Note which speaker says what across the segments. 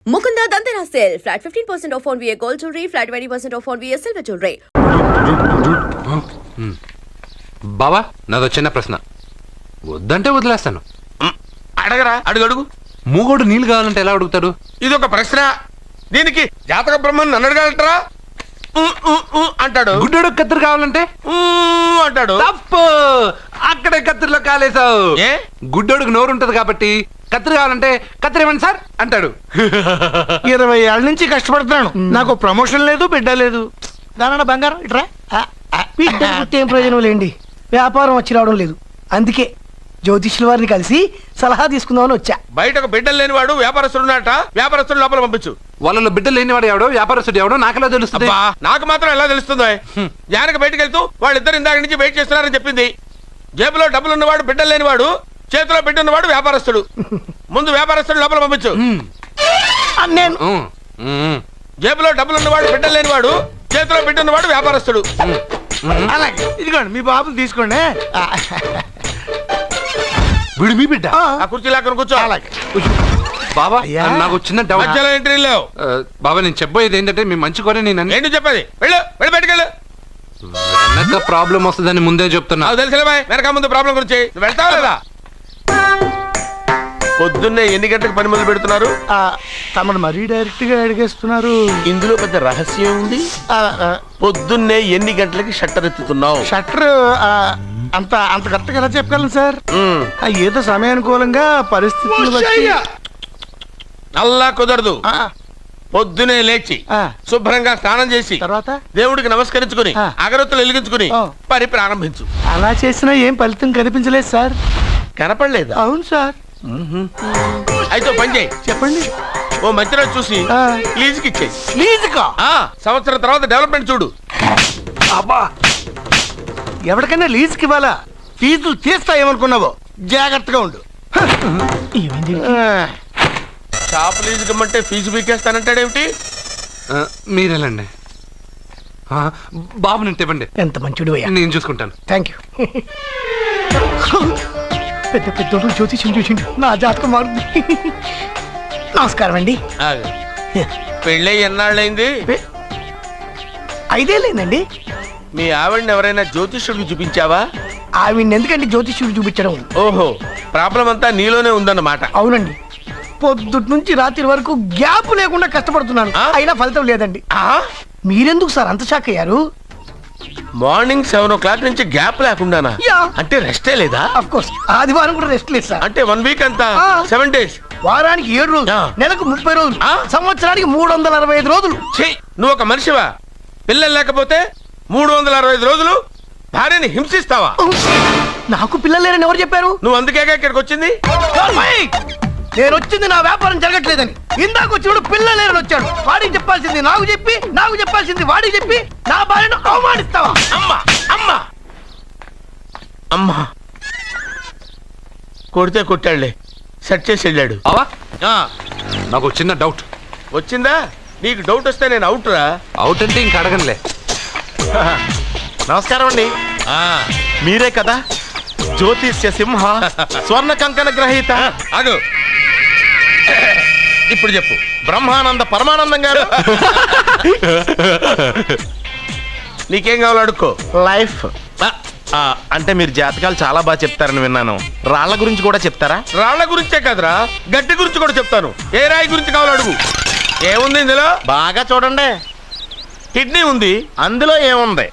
Speaker 1: Mukunda Dandana sale. Flat 15% off on VA gold jewelry. Flat 20% off on VA silver jewelry.
Speaker 2: బావా నాదో చిన్న ప్రశ్న. వద్దంటే వదిలేస్తాను.
Speaker 3: అడగరా, అడుగు.
Speaker 2: మూగోడు నీళ్ళు కావాలంటే ఎలా అడుగుతాడు?
Speaker 3: ఇది ఒక ప్రశ్న. దీనికి జాతక బ్రహ్మను నన్ను అడగలటరా? అంటాడు.
Speaker 2: గుడ్డోడు కత్తిరి కావాలంటే
Speaker 3: అంటాడు.
Speaker 2: తప్పు, అక్కడే కత్తిరిలో కాలేసావు.
Speaker 3: ఏ?
Speaker 2: గుడ్డోడుకు నోరు ఉంటది కాబట్టి కత్తిరి కావాలంటే కత్తిరి ఇవ్వండి సార్ అంటాడు.
Speaker 4: 20 ఏళ్ళ నుంచి కష్టపడుతున్నాను, నాకు ప్రమోషన్ లేదు, బిడ్డ లేదు. దానన్న బంగారం ఇట్రా. బిడ్డ పుట్టి ఏం ప్రయోజనం లేండి, వ్యాపారం వచ్చి రావడం లేదు. అందుకే జ్యోతిష్యుల వారిని కలిసి సలహా తీసుకుందామని వచ్చా.
Speaker 3: బయటకు బిడ్డలు లేనివాడు వ్యాపారస్తుడు ఉన్నట. వ్యాపారస్తుడు లోపల పంపించు.
Speaker 2: వాళ్ళలో బిడ్డలు లేనివాడు ఎవడో వ్యాపారస్తుడు ఎవడో నాకెలా తెలుస్తుంది?
Speaker 3: నాకు మాత్రం ఎలా తెలుస్తుందో? జానకి బయటకు వెళ్తూ వాళ్ళిద్దరు ఇందాక నుంచి వెయిట్ చేస్తున్నారని చెప్పింది. జేబులో డబ్బులు ఉన్నవాడు బిడ్డలు లేనివాడు, చేతిలో బిడ్డ ఉన్నవాడు వ్యాపారస్తుడు. ముందు వ్యాపారస్తుడు లోపల పంపించు.
Speaker 4: నేను
Speaker 3: జేబులో డబ్బులు ఉన్నవాడు బిడ్డలు లేనివాడు, చేతిలో బిడ్డ ఉన్నవాడు వ్యాపారస్తుడు.
Speaker 4: అలాగే ఇదిగోండి మీ బాబుని తీసుకోండి.
Speaker 2: వీడు మీ బిడ్డ?
Speaker 3: ఆ కుర్చీలో అక్కడ కూర్చో.
Speaker 4: అలాగే
Speaker 2: బాబా నాకు చిన్న డౌట్.
Speaker 3: మధ్యలో ఎంట్రీ లేవు.
Speaker 2: బాబా నేను చెప్పబోయేది ఏంటంటే మీ మంచి కోరే నేను
Speaker 3: ఏంటి చెప్పేది? వెళ్ళు, వెళ్ళి బయటకెళ్ళు.
Speaker 2: వెనక ప్రాబ్లం వస్తుందని ముందే చెప్తున్నా.
Speaker 3: నాకు తెలుసులే బాయ్, వెనక ముందు ప్రాబ్లం గురించి. నువ్వు వెళ్తావా లేదా? పొద్దున్నే ఎన్ని గంటలకు పని మొదలు పెడుతున్నారు?
Speaker 4: తమను మరీ డైరెక్ట్ గా అడిగేస్తున్నారు.
Speaker 3: ఇందులో పెద్ద రహస్యం ఉంది. పొద్దున్నే ఎన్ని గంటలకి షట్టర్ ఎత్తుతున్నావు?
Speaker 4: షట్టర్ అంత అంత కరెక్ట్గా ఎలా చెప్పగలను సార్? ఏదో సమయానుకూలంగా పరిస్థితులు బట్టి.
Speaker 3: అల్లా కుదరదు. పొద్దునే లేచి శుభ్రంగా స్నానం చేసి
Speaker 4: తర్వాత
Speaker 3: దేవుడికి నమస్కరించుకుని అగరొత్తులు వెలిగించుకుని పని ప్రారంభించు.
Speaker 4: అలా చేసినా ఏం ఫలితం కనిపించలేదు సార్.
Speaker 3: కనపడలేదా?
Speaker 4: అవును సార్.
Speaker 3: అయితే పని చేయి.
Speaker 4: చెప్పండి.
Speaker 3: ఓ మంచి రోజు చూసి లీజుకి ఇచ్చేయి.
Speaker 4: లీజుకా?
Speaker 3: సంవత్సరం తర్వాత డెవలప్మెంట్ చూడు.
Speaker 4: అబ్బా, ఎవరికైనా లీజుకి ఇవ్వాలా? ఫీజులు తీస్తాయేమనుకున్నావో, జాగ్రత్తగా ఉండు.
Speaker 3: షాప్ లీజుకి ఇమ్మంటే ఫీజు పీకేస్తానంటాడేమిటి?
Speaker 2: మీరేలండి బాబు, నేను తెప్పండి.
Speaker 4: ఎంత మంచిడు అయ్యా,
Speaker 2: నేను చూసుకుంటాను.
Speaker 4: Thank you. పెద్ద పెద్దోడు జ్యోతిష్యం చూసిండు, నా జాతకం మారుంది. నమస్కారం అండి.
Speaker 3: పెళ్ళై ఎన్నాళ్ళైంది?
Speaker 4: 5 ఏళ్ళైందండి.
Speaker 3: మీ ఆవిడని ఎవరైనా జ్యోతిష్యుడికి చూపించావా?
Speaker 4: ఆవిడ ఎందుకంటే జ్యోతిష్యుడు చూపించడం.
Speaker 3: ఓహో, ప్రాబ్లం అంతా నీలోనే ఉందన్నమాట.
Speaker 4: అవునండి, పొద్దుటి నుంచి రాత్రి వరకు గ్యాప్ లేకుండా కష్టపడుతున్నాను, అయినా ఫలితం లేదండి. మీరెందుకు సార్ అంత షాక్ అయ్యారు?
Speaker 3: మార్నింగ్ 7 o'clock నుంచి గ్యాప్ లేకుండానా? అంటే రెస్టే లేదా?
Speaker 4: ఆఫ్ కోర్స్, ఆదివారం కూడా రెస్ట్ లేదు సార్.
Speaker 3: అంటే 1 week అంతా 7 days.
Speaker 4: వారానికి 7 రోజులు, నెలకు 30 రోజులు, సంవత్సరానికి 365 రోజులు.
Speaker 3: నువ్వు ఒక మనిషివా? పిల్లలు లేకపోతే 365 రోజులు భార్యని హింసిస్తావా?
Speaker 4: నాకు పిల్లలు లేరని ఎవరు చెప్పారు?
Speaker 3: నువ్వు అందుకేగా ఇక్కడికి వచ్చింది.
Speaker 4: నేను వచ్చింది నా వ్యాపారం జరగట్లేదని. ఇందాక వచ్చినప్పుడు పిల్లలు లేరని వచ్చాడు. వాడికి చెప్పాల్సింది నాకు చెప్పి, నాకు చెప్పాల్సింది వాడికి చెప్పి నా భార్యను అవమానిస్తావా?
Speaker 3: అమ్మా అమ్మా అమ్మా, కొడితే కొట్టాడులే, సెట్ చేసి వెళ్ళాడు.
Speaker 2: నాకు చిన్న డౌట్
Speaker 3: వచ్చిందా? నీకు డౌట్ వస్తే నేను అవుట్ రా.
Speaker 2: అవుట్ అంటే ఇంక అడగనులే.
Speaker 3: నమస్కారం అండి. మీరే కదా జ్యోతిష్య సింహ స్వర్ణ కంకణ గ్రహీత? అదు, ఇప్పుడు చెప్పు. బ్రహ్మానంద పరమానందం గారు నీకేం కావాలో అడుక్కో.
Speaker 5: లైఫ్ అంటే మీరు జాతకాలు చాలా బాగా చెప్తారని విన్నాను. రాళ్ల గురించి కూడా చెప్తారా?
Speaker 3: రాళ్ల గురించే కదరా, గట్టి గురించి కూడా చెప్తాను. ఏ రాయి గురించి కావాలో అడుగు. ఏముంది ఇందులో?
Speaker 5: బాగా చూడండి.
Speaker 3: కిడ్నీ ఉంది.
Speaker 5: అందులో ఏముంది?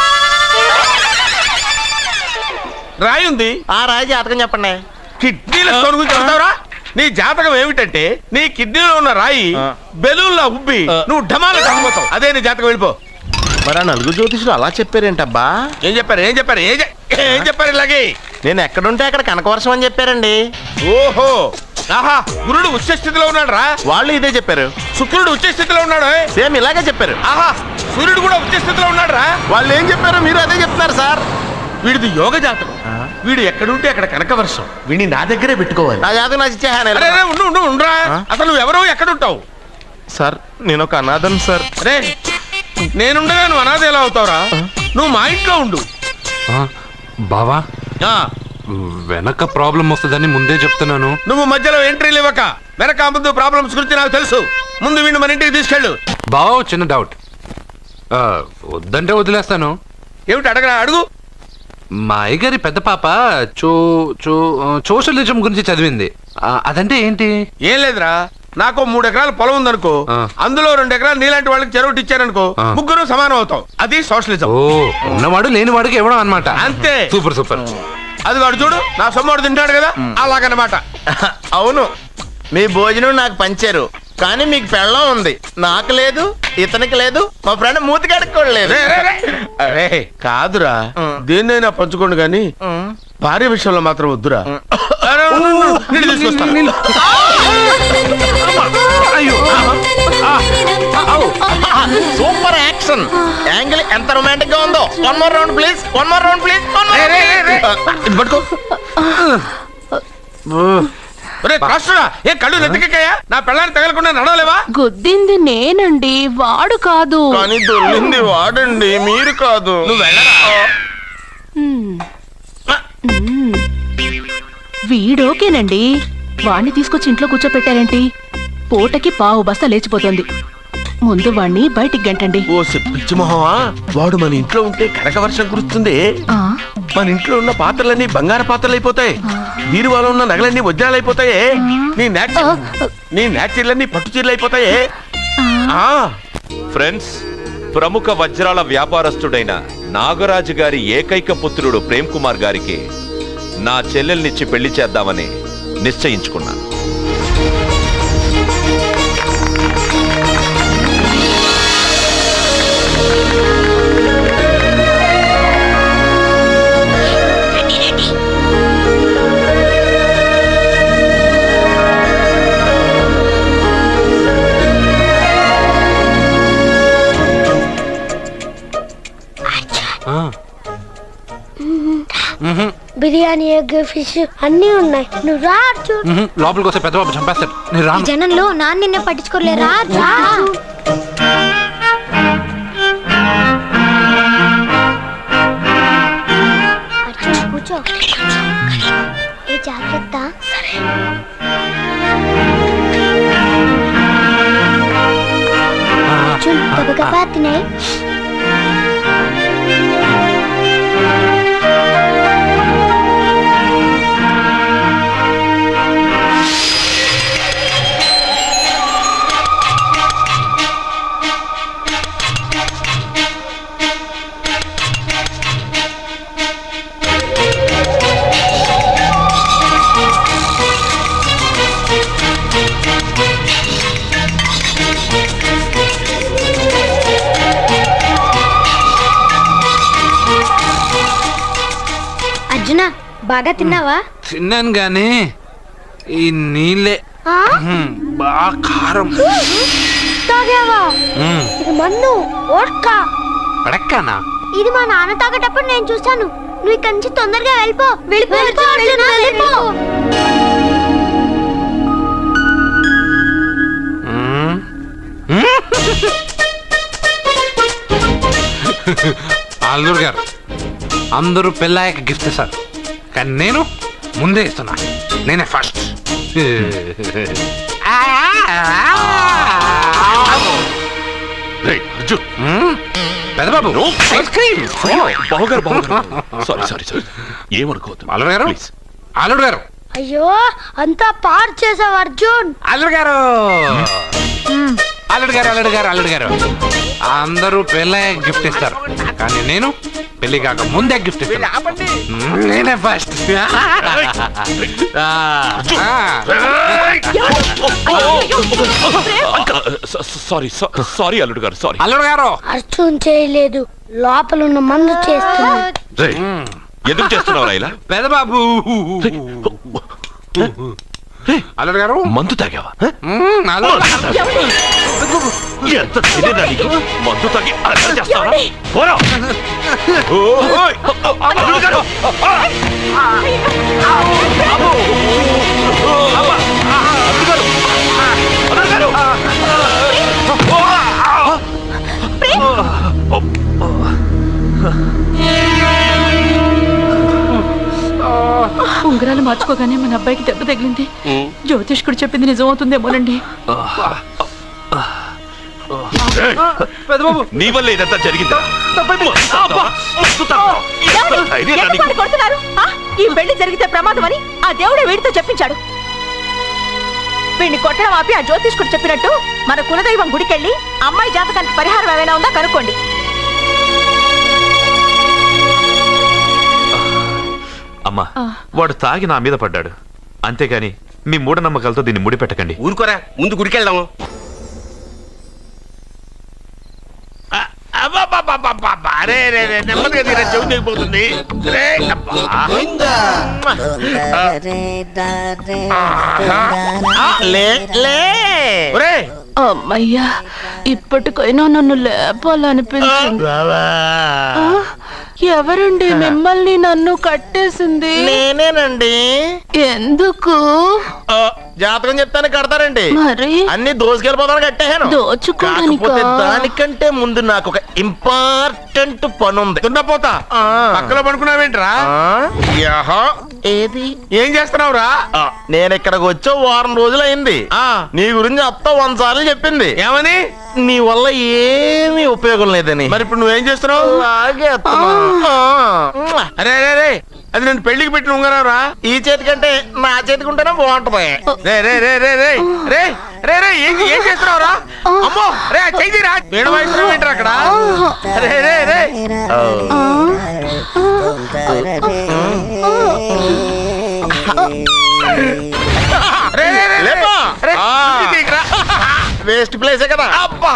Speaker 3: రాయి ఉంది.
Speaker 5: ఆ రాయి జాతకం చెప్పండి.
Speaker 3: కిడ్నీల స్టోన్ గురించి చెప్తావురా? నీ జాతకం ఏమిటంటే నీ కిడ్నీలో ఉన్న రాయి బెలూన్లా ఉబ్బి నువ్వు ఢమాల కాకపోతావు. అదే నీ జాతకం. వెళ్ళిపో.
Speaker 5: మరి ఆ 4 జ్యోతిషులు అలా చెప్పారేంటబ్బా?
Speaker 3: ఏం చెప్పారు? ఏం చెప్పారు? ఏం చెప్పారు? ఇలాగే
Speaker 5: నేను ఎక్కడుంటే అక్కడ కనకవర్షం అని చెప్పారండి.
Speaker 3: ఓహో, ఆహా, గురుడు ఉచ్చ స్థితిలో ఉన్నాడు రా.
Speaker 5: వాళ్ళు ఇదే చెప్పారు.
Speaker 3: శుక్రుడు ఉచ్చ స్థితిలో ఉన్నాడు.
Speaker 5: సేమ్ ఇలాగే చెప్పారు.
Speaker 3: ఆహా, సూర్యుడు కూడా ఉచ్చ స్థితిలో ఉన్నాడు రా.
Speaker 5: వాళ్ళు ఏం చెప్పారో మీరు అదే చెప్తున్నారు సార్.
Speaker 3: వీడిది యోగ జాతకం. వీడు ఎక్కడుంటే అక్కడ కనకవర్షం. వీడిని నా దగ్గరే పెట్టుకోవాలి.
Speaker 5: నా జాతకం నాకు ఇచ్చేహాను.
Speaker 3: ఉండరా, అసలు నువ్వు ఎవరో ఎక్కడుంటావు?
Speaker 5: సార్ నేను ఒక అనాథం సార్.
Speaker 3: అరే, నేనుండగా నువ్వు అనాథ ఎలా అవుతావురా? నువ్వు మా ఇంట్లో ఉండు.
Speaker 2: బావా, వెనక ప్రాబ్లం వస్తుందని ముందే చెప్తున్నాను.
Speaker 3: నువ్వు మధ్యలో ఎంట్రీలు ఇవ్వక. వెనక ముందు ప్రాబ్లమ్స్ గురించి నాకు తెలుసు. ముందు వీడిని మన ఇంటికి తీసుకెళ్ళు.
Speaker 2: బావ చిన్న డౌట్, వద్దంటే వదిలేస్తాను.
Speaker 3: ఏమిటి అడగరా, అడుగు.
Speaker 2: మా అయ్యగారి పెద్ద పాప సోషలిజం గురించి చదివింది. అదంటే ఏంటి?
Speaker 3: ఏం లేదురా, నాకు 3 ఎకరాల పొలం ఉందనుకో, అందులో 2 ఎకరాలు నీలాంటి వాళ్ళకి చెరువు ఇచ్చారనుకో, ముగ్గురు సమానం అవుతాం. అది సోషలిజం.
Speaker 2: ఓ, ఉన్నవాడు లేని వాడికి ఇవ్వడం అన్నమాట.
Speaker 3: అంతే.
Speaker 2: Super super.
Speaker 3: అది వాడు చూడు, నా సొమ్మడు తింటాడు కదా, అలాగనమాట.
Speaker 5: అవును, మీ భోజనం నాకు పంచారు, కానీ మీకు పెళ్ళం ఉంది, నాకు లేదు, ఇతనికి లేదు, మా ఫ్రెండ్ మూతి కడుక్కోలేదు.
Speaker 3: కాదురా, దేన్నైనా పంచుకోండి కానీ భార్య విషయంలో మాత్రం వద్దురా. నీళ్ళు తీసుకొస్తాను.
Speaker 5: సూపర్ యాక్షన్ యాంగిల్ ఎంత రొమాంటిక్ గా ఉందో. One more round please, one more round please.
Speaker 3: ఇది పట్టుకో. ఏ కళ్ళు నెత్తికెక్కాయా? నా పెళ్ళాన్ని తగలకుండా నడవలేవా?
Speaker 6: గుద్దింది నేనండి, వాడు కాదు.
Speaker 5: కానీ దొల్లింది వాడండి, మీరు కాదు.
Speaker 3: నువ్వు వెళ్ళరా.
Speaker 6: వీడోకేనండి, వాణ్ణి తీసుకొచ్చి ఇంట్లో కూర్చోపెట్టారేంటి? పూటకి పావు బస్తా లేచిపోతుంది. ముందు వాణ్ణి బయటికి గంటండి.
Speaker 3: ఓ పిచ్చి మొహమా, వాడు మన ఇంట్లో ఉంటే కనక వర్షం కురుస్తుంది.
Speaker 6: ఆ,
Speaker 3: మన ఇంట్లో ఉన్న పాత్రలన్నీ బంగారు పాత్రలు అయిపోతాయి, బీరువాలో ఉన్న నగలన్నీ వజ్రాలు అయిపోతాయి, నీ నాచీర్లన్నీ పట్టు చీరలు అయిపోతాయి.
Speaker 7: ఫ్రెండ్స్, ప్రముఖ వజ్రాల వ్యాపారస్తుడైన నాగరాజు గారి ఏకైక పుత్రుడు ప్రేమ్ కుమార్ గారికి నా చెల్లెల్నిచ్చి పెళ్లి చేద్దామని నిశ్చయించుకున్నాను.
Speaker 8: బిర్యానీ, ఎగ్, ఫిష్ అన్నీ ఉన్నాయి. నువ్వు రా అర్జున్.
Speaker 2: లోపలికి వస్తే పెద్ద బాబు చంపేస్తాడు. నేను రాను.
Speaker 8: జనంలో నాన్న నిన్నే పట్టించుకోలే. రా రా అర్జున్, కూర్చో. ఏ జాగ్రత్త. అర్జున్, గబగబా తినేయ్. అర్జున, బాగా తిన్నావా?
Speaker 2: తిన్నాను గానీ ఈ నీళ్ళే బాగా కారం.
Speaker 8: తాగావా? ఇది మన్ను ఓడ్కా.
Speaker 2: పడక్కనా?
Speaker 8: ఇది మా నాన్న తాగేటప్పుడు నేను చూసాను. నువ్వు ఇక్కడి నుంచి తొందరగా వెళ్ళిపో. వెళ్ళిపో అర్జున, వెళ్ళిపో.
Speaker 2: అల్లుడు గారు, అందరూ పెళ్ళాయక గిఫ్ట్ ఇస్తారు, కానీ నేను ముందే ఇస్తున్నా. నేనే ఫస్ట్. పెద్దబాబు, ఐస్ క్రీమ్.
Speaker 7: ఏమనుకోవద్దు.
Speaker 2: అల్లుడు గారు, అల్లుడు గారు,
Speaker 8: అయ్యో, అంతా పాడు చేసావు అర్జున్.
Speaker 2: అల్లుడు గారు, అల్లుడు గారు, అల్లుడు గారు, అల్లుడు గారు, అందరూ పెళ్ళాయక గిఫ్ట్ ఇస్తారు, కానీ నేను పెళ్లి కాక ముందే గిఫ్ట్ ఇస్తాను. నేనే ఫస్ట్.
Speaker 7: సారీ అల్లుడు గారు, సారీ.
Speaker 2: అల్లుడు గారు,
Speaker 8: అర్జున్ చేయలేదు, లోపల ఉన్న మందు చేస్తుంది.
Speaker 7: ఎందుకు చేస్తున్నావు ఇలా?
Speaker 2: పెద్దబాబు, అల్లుడు గారు,
Speaker 7: మందు తాగావా?
Speaker 3: ఎంత తెలియదా నీకు? మందు తాగి అలా చేస్తావా? పోరా. ఓయ్, అల్లుడు గారు.
Speaker 6: ఉంగరాలు మార్చుకోగానే మన అబ్బాయికి దెబ్బ తగిలింది. జ్యోతిష్కుడు చెప్పింది నిజమవుతుందేమోనండి.
Speaker 7: నీ వల్ల ఇదంతా జరిగిందా?
Speaker 6: ఎందుకు కొడుతున్నారు? ఈ పెళ్లి జరిగితే ప్రమాదం అని ఆ దేవుడే వీడితో చెప్పించాడు. వీడిని కొట్టడం ఆపి ఆ జ్యోతిష్కుడు చెప్పినట్టు మన కులదైవం గుడికెళ్ళి అమ్మాయి జాతకానికి పరిహారం ఏమైనా ఉందా కనుక్కోండి.
Speaker 7: అమ్మా, వాడు తాగి నా మీద పడ్డాడు, అంతేగాని మీ మూఢనమ్మకాలతో దీన్ని ముడిపెట్టకండి.
Speaker 3: ఊరుకోరా, ముందు గుడికెళ్దాము. అరే నెమ్మదిగా తీరా, చెవి తెగిపోతుంది.
Speaker 6: అమ్మయ్యా, ఇప్పటికైనా నన్ను లేపాలనిపించింది. ఎవరండి మిమ్మల్ని నన్ను కట్టేసింది?
Speaker 5: నేనేనండి.
Speaker 6: ఎందుకు?
Speaker 5: జాతకం చెప్తాను కడతారండి.
Speaker 6: మరి
Speaker 5: అన్ని దోసుకెళ్ళిపోతాను కట్టేహాను. కాకపోతే దానికంటే ముందు నాకు ఒక ఇంపార్టెంట్ పని ఉంది.
Speaker 3: దున్నపోతా పక్కలో పడుకున్నావేంట్రా?
Speaker 5: ఏది
Speaker 3: ఏం చేస్తున్నావురా?
Speaker 5: నేను ఇక్కడికి వచ్చి వారం రోజులు అయింది. నీ గురించి అత్త 100 సార్లు చెప్పింది.
Speaker 3: ఏమని?
Speaker 5: నీ వల్ల ఏమీ ఉపయోగం లేదని.
Speaker 3: మరి ఇప్పుడు నువ్వేం చేస్తున్నావు? అరే అరే రే, అది నేను పెళ్లికి పెట్టిన ఉంగరావురా.
Speaker 5: ఈ చేతి కంటే నా చేతికి ఉంటేనే బాగుంటది.
Speaker 3: రే రే రే రే రే రే రే రే ఏం చేస్తున్నావురా? అమ్మో రే, చెయ్యిరా. వీణ వాయిస్తున్నావు ఏంట్రా అక్కడ? రే రే రే
Speaker 5: వేస్ట్ ప్లేసే కదా.
Speaker 3: అబ్బా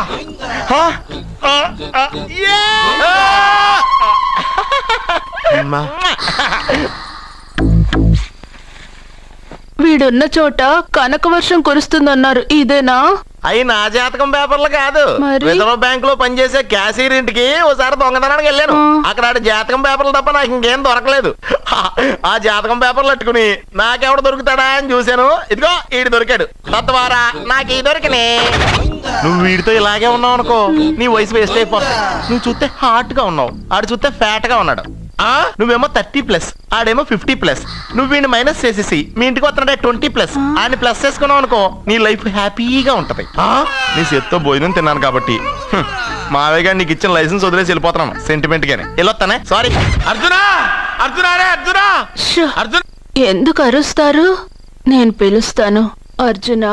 Speaker 6: వీడున్న చోట కనక వర్షం కురుస్తుందన్నారు, ఇదేనా?
Speaker 5: అయి నా జాతకం పేపర్లు కాదు.
Speaker 6: మరి?
Speaker 5: రిజర్వ్ బ్యాంక్ లో పనిచేసే క్యాషియర్ ఇంటికి ఓసారి దొంగతనానికి వెళ్ళాను. అక్కడ ఆడ జాతకం పేపర్లు తప్ప నాకు ఇంకేం దొరకలేదు. ఆ జాతకం పేపర్లు పట్టుకుని నాకెవడు దొరుకుతాడా అని చూశాను. ఇదిగో ఈడు దొరికాడు. తద్వారా నాకు ఈ దొరికినే. నువ్వు వీడితో ఇలాగే ఉన్నావు అనుకో, నీ వయసు వేస్ట్ అయిపోతుంది. నువ్వు చూస్తే హాట్ గా ఉన్నావు, ఆడు చూస్తే ఫ్యాట్ గా ఉన్నాడు. నువ్వేమో 30+, ఆడేమో 50+. నువ్వు వీడిని మైనస్ చేసేసి మీ ఇంటికి వస్తున్నాడే 20+, ఆయన ప్లస్ చేసుకున్నావు అనుకో, నీ లైఫ్ హ్యాపీగా ఉంటది. నీ చేత్తో భోజనం తిన్నాను కాబట్టి మావయ్య గారు నీకు ఇచ్చిన లైసెన్స్ వదిలేసి వెళ్ళిపోతున్నాను సెంటిమెంట్ గానే. వెళ్ళొస్తానే. సారీ.
Speaker 3: అర్జునా, అర్జునా రే అర్జునా, అర్జున్.
Speaker 6: ఎందుకు అరుస్తారు? నేను పిలుస్తాను. అర్జునా.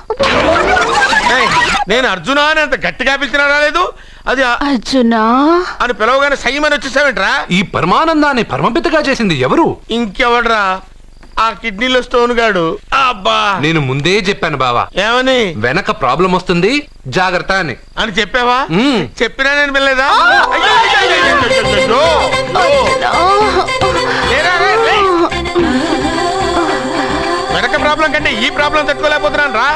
Speaker 3: నేను అర్జునా అని అంత గట్టిగా పిలిచినా రాలేదు. అది
Speaker 6: అర్జునా
Speaker 3: అని పిలవగానే సైమని వచ్చేసావేంట్రా?
Speaker 2: ఈ పరమానందాన్ని పరమపితగా చేసింది ఎవరు?
Speaker 3: ఇంకెవడ్రా? ఆ కిడ్నీలో స్టోన్ గాడు. అబ్బా,
Speaker 2: నేను ముందే చెప్పాను బావా,
Speaker 3: ఏమని?
Speaker 2: వెనక ప్రాబ్లం వస్తుంది, జాగ్రత్త అని.
Speaker 3: అని చెప్పావా? చెప్పినా నేను వెళ్ళలేదా? వెనక ప్రాబ్లం కంటే ఈ ప్రాబ్లం తట్టుకోలేకపోతున్నాను రా.